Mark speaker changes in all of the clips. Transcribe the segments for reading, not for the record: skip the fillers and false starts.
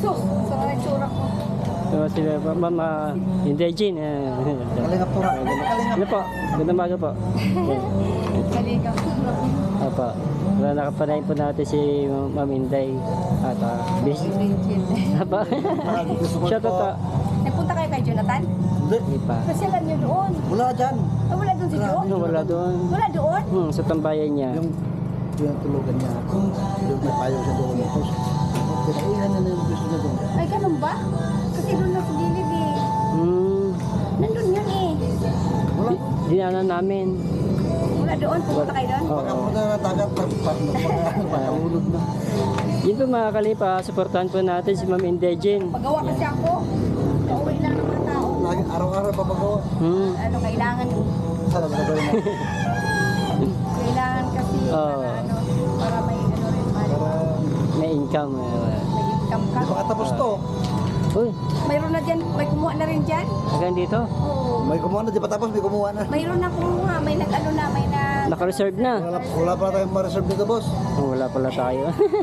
Speaker 1: Sus, sa mga tsura ko.
Speaker 2: So, sila po, Mama Indegin.
Speaker 3: Kalingap tura.
Speaker 2: Ano po? Gandang maga po.
Speaker 1: Kalika.
Speaker 2: Apa. Wala nakapanay po natin si Ma'am Inday. At busy. Apa. Shout out po.
Speaker 1: Nagpunta kayo kay Jonathan?
Speaker 3: Hindi.
Speaker 2: Hindi pa.
Speaker 1: Kasi alam niyo doon.
Speaker 3: Wala dyan.
Speaker 1: Ah, wala doon si Jo?
Speaker 2: Ano, wala doon.
Speaker 1: Wala doon?
Speaker 2: Sa tambayan niya.
Speaker 3: Yung tulugan niya. Yung may payo siya doon. Tapos, pinaihan na yung gusto niya doon.
Speaker 1: Ay, ganun ba? Kasi doon na sa gilid eh. Nandun yun eh.
Speaker 3: Wala.
Speaker 2: Dinaanan namin.
Speaker 1: Wala doon, pumunta kayo doon?
Speaker 2: Oo.
Speaker 3: Pagka punta na dagat, pagkaulog na.
Speaker 2: Yun po mga kalipa, supportahan po natin si Ma'am Indegin.
Speaker 1: Pagawa kasi ako. Kauwi lang ng mga tao.
Speaker 3: Lagi, araw-araw papagawa.
Speaker 1: Ano, kailangan
Speaker 3: Sana na gawin na.
Speaker 1: kailangan kasi
Speaker 2: Oo.
Speaker 1: para ano, para may ano rin,
Speaker 3: Para,
Speaker 2: May income.
Speaker 1: may income ka.
Speaker 3: di makatapos to.
Speaker 2: Uy,
Speaker 1: Mayroon na dyan, may kumuha na rin dyan.
Speaker 2: hanggang dito.
Speaker 1: Oo.
Speaker 3: May kumuha na, di pa tapos, may kumuha na.
Speaker 1: Mayroon na kumuha, may nag-ano na, may na...
Speaker 2: Naka-reserve na.
Speaker 3: Wala pa tayong ma-reserve dito, boss.
Speaker 2: Oh, wala pala tayo.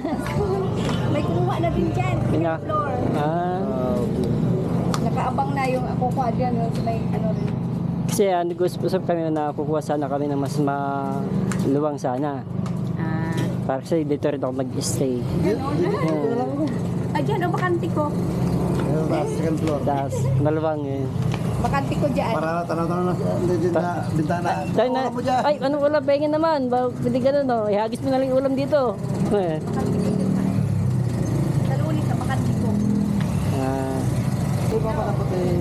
Speaker 1: May kumuha na din dyan.
Speaker 2: Pina.
Speaker 1: Floor.
Speaker 2: Okay.
Speaker 1: Nakaabang na yung ako ko dyan, may ano rin.
Speaker 2: Kasi nag-usap kami na kukuha sana kami ng mas maluwang sana.
Speaker 1: Ah,
Speaker 2: Para kasi dito rin ako mag-stay.
Speaker 1: gano'n na.
Speaker 3: Dito na lang ako.
Speaker 1: Ah, dyan, o, bakante ko.
Speaker 3: Ayun, taas, second floor.
Speaker 2: Tapos maluwang eh.
Speaker 1: Bakante ko dyan.
Speaker 3: Para tanaw-tanaw na, hindi na, bintana.
Speaker 2: Tayo na,
Speaker 3: Wala mo dyan.
Speaker 2: ay ano wala pengin naman. Hindi ganun no. Ihagis mo na lang yung ulam dito.
Speaker 1: Bakante ko dyan. Sa lunis, sa bakante ko.
Speaker 3: Di ba pa dapat eh,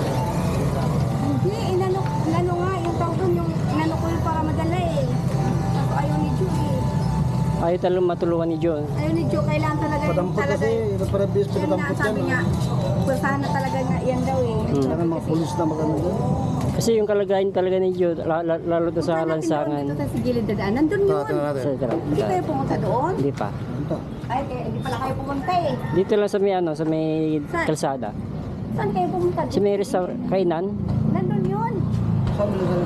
Speaker 1: Hindi, inano nga, yung tao doon, yung inano ko yun para madala eh. Tapos ayaw ni Jo eh.
Speaker 2: Ayaw talagang matulungan ni John.
Speaker 1: Ayaw ni Jo, kailangan talaga yung
Speaker 3: padampot
Speaker 1: talaga.
Speaker 3: kasi, para bis,
Speaker 1: Yan nga,
Speaker 3: padampot yan.
Speaker 1: sabi nga, pulsahan na talaga nga yan daw eh.
Speaker 3: Sana mga pulis na magano doon.
Speaker 2: Kasi yung kalagayan talaga ni John, lalo to sa lansangan.
Speaker 1: Dito sa sigilid na daan. Nandun yun.
Speaker 3: Tingnan natin.
Speaker 2: Sa tara.
Speaker 1: Hindi kayo pumunta doon?
Speaker 2: Hindi pa.
Speaker 3: Ito.
Speaker 1: Ay, hindi pala kayo pumunta eh.
Speaker 2: Dito lang sa may ano, sa may
Speaker 1: Saan?
Speaker 2: kalsada.
Speaker 1: Saan kayo pumunta?
Speaker 2: Sa may restaurant, kainan.
Speaker 1: Nandun yun.
Speaker 3: Saan mo na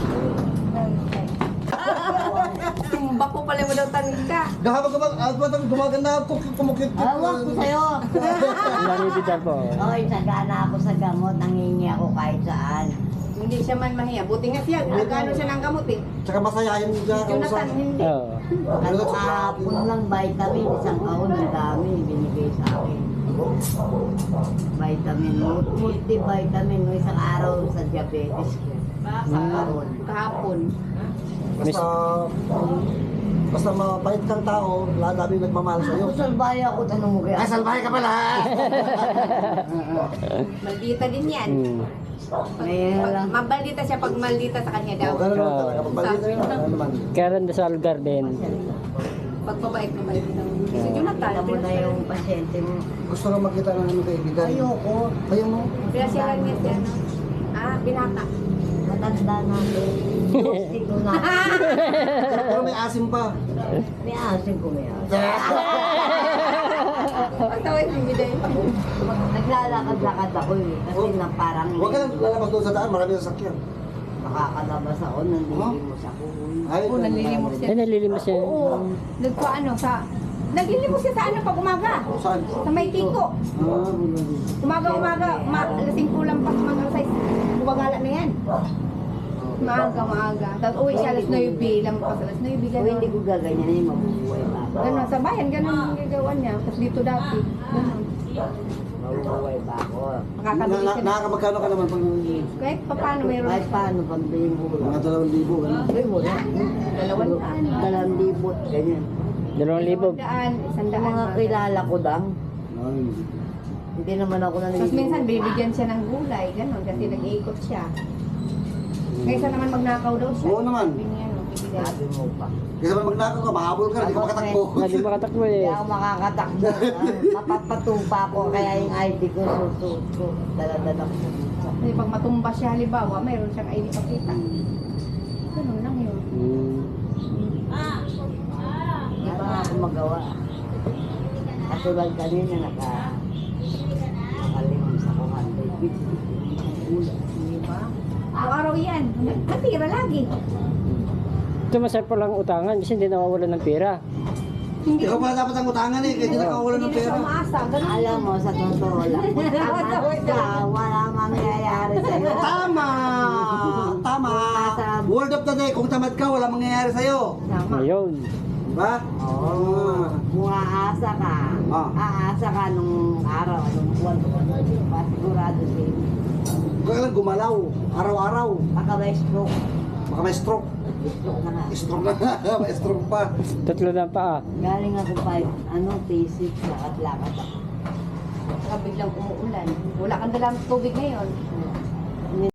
Speaker 1: Tumba ko pala mo daw tangin ka.
Speaker 3: Gumaganda ako, kumukit.
Speaker 4: Awak ko sa'yo.
Speaker 2: Lani Vidal po.
Speaker 4: Oy, sagana ako sa gamot. Nangingi ako kahit saan.
Speaker 1: Hindi siya man mahiya. Buti nga siya. Nagano siya ng gamot eh.
Speaker 3: Tsaka masayahin niya ako sa...
Speaker 1: Jonathan, hindi.
Speaker 2: Oo.
Speaker 4: Ano kahapon lang vitamin. Isang kaon ang dami binigay sa akin. Vitamin. Multivitamin. No, isang araw sa diabetes ko. Sa kaon.
Speaker 1: Kahapon.
Speaker 3: Basta mabait kang tao, labi nagmamahal sa'yo.
Speaker 4: Ako salbay ako. Tanong mo kaya.
Speaker 3: Ay, salbahe ka pala!
Speaker 1: Maldita din yan.
Speaker 4: Ngayon lang.
Speaker 1: Mabaldita siya pag maldita sa kanya daw.
Speaker 3: O, gano'n lang talaga. Pagbalita yun, ano naman.
Speaker 2: Karen Dasal Garden.
Speaker 1: Pag mabait ng si Jonathan.
Speaker 4: Alam mo na yung pasyente mo.
Speaker 3: Gusto nga makita ng ano kaibigan.
Speaker 4: Ayoko.
Speaker 3: Ayaw mo.
Speaker 1: Kaya siya lang niya siya. No? Ah, binata.
Speaker 4: Matanda natin. Gusti ko na.
Speaker 3: Pero may asim pa.
Speaker 4: May asin ko may asin.
Speaker 1: Ang tawag yung biday.
Speaker 4: Naglalakad-lakad ako eh. Kasi na parang
Speaker 3: Huwag ka lang lalabas doon sa daan, marami ng sakyan.
Speaker 4: nakakalabas ako, nanlilimos ako.
Speaker 3: Ay,
Speaker 1: Oo, nanlilimos siya.
Speaker 2: Ay, nalilimos siya.
Speaker 1: Oo. Nagpaano sa... Naglilimos siya sa ano pag umaga.
Speaker 3: Saan?
Speaker 1: Sa may tiko. Umaga, lasing kulang pa mag-alasay. Bumagala na yan. Maaga. Tapos uwi siya alas 9, lampas alas 9,
Speaker 4: Kung
Speaker 1: gano'n.
Speaker 4: hindi ko gaganyan yung mabubuhay pa ako.
Speaker 1: Gano'n, sa bayan, gano'n ang gagawa niya. Tapos dito dati, gano'n.
Speaker 4: Mabubuhay pa ako.
Speaker 1: Makakabili siya.
Speaker 3: Nakakabagkano ka naman pag
Speaker 1: Kahit pa paano mayroon.
Speaker 4: Kahit paano pambili mo ko
Speaker 3: mga
Speaker 4: lang.
Speaker 3: 2,000 gano'n?
Speaker 4: Ay, wala.
Speaker 1: 200.
Speaker 4: 2,000, ganyan.
Speaker 2: 2,000.
Speaker 1: 100.
Speaker 4: Mga kilala ko lang.
Speaker 3: Ay.
Speaker 4: Hindi naman ako
Speaker 1: Tapos
Speaker 4: nanlilimos.
Speaker 1: minsan bibigyan siya ng gulay, gano'n, kasi nag-iikot siya. Kaysa naman magnakaw daw siya.
Speaker 3: Oo naman.
Speaker 1: Sabi niya, no, bibigyan.
Speaker 4: Sabi mo pa.
Speaker 3: Kasi naman magnakaw ka, mahabol ka, hindi ka makatakbo.
Speaker 2: Hindi makatakbo
Speaker 4: Hindi
Speaker 2: eh.
Speaker 4: ako makakatakbo. Mapapatupa ko kaya yung ID ko susuot ko. Dala-dala ko.
Speaker 1: Kasi pag matumba siya, halimbawa, mayroon siyang ID pakita. Ganun lang yun.
Speaker 4: Hindi pa nga ako magawa. Katulad kanina nakalimang sa 150.
Speaker 1: Di ba? Araw-araw yan. Natira lagi.
Speaker 2: Ito masarap lang utangan kasi hindi nawawalan ng pera.
Speaker 3: Ikaw pa dapat ang utangan eh, kaya di nakawalan ng
Speaker 1: Hindi na siya
Speaker 3: pera.
Speaker 1: umaasa. Ganun.
Speaker 4: Alam mo, sa totoo lang, kung tamad ka, wala mangyayari sa'yo.
Speaker 3: Tama! Tama! Word of the day, kung tamad ka, wala mangyayari sa'yo.
Speaker 4: Tama.
Speaker 2: Ayun.
Speaker 3: Diba?
Speaker 4: Oo. Kung aasa ka,
Speaker 3: Ah.
Speaker 4: aasa ka nung araw, nung buwan, pasigurado din.
Speaker 3: Huwag lang gumalaw, araw-araw.
Speaker 4: Baka may stroke.
Speaker 3: Baka may stroke.
Speaker 4: Stroke na nga.
Speaker 3: Stroke na, may stroke pa.
Speaker 2: Tatlo na pa.
Speaker 4: Galing ako pa, P6, lakad-lakad ako.
Speaker 1: Saka biglang umuulan. Wala kang dalang tubig ngayon.